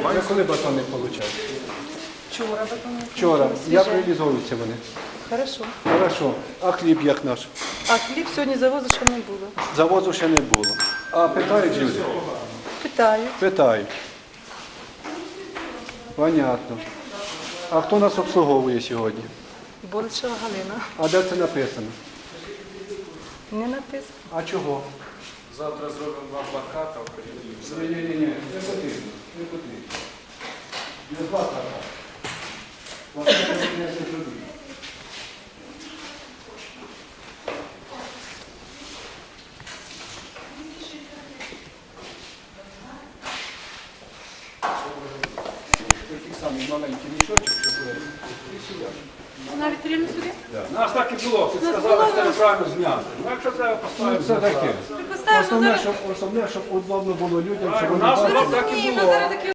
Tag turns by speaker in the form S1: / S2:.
S1: Я коли батони отримав?
S2: Вчора батони.
S1: Вчора. Як
S2: Свіже.
S1: реалізовуються вони?
S2: Хорошо.
S1: Хорошо. А хліб як наш?
S2: А хліб сьогодні завозу ще не було.
S1: Завозу ще не було. А питають люди?
S2: Питаю.
S1: Питають. Понятно. А хто нас обслуговує сьогодні?
S2: Боричева Галина.
S1: А де це написано?
S2: Не написано.
S1: А чого?
S3: Завтра зробимо два плаката.
S1: Ні, не потрібно. Не потрібно. Не два плакати. Плакати не зробити. Такий самий маленький мішочок, щоб
S2: Навіть рівно сюди?
S3: Нас так і було. Ти сказала, що це неправильно зняти. Ну, якщо треба поставити,
S1: це таке.
S2: Поставимо
S1: Основне, щоб удобно було людям, щоб
S3: у
S1: вони
S3: нас
S1: бачили.
S3: так і було.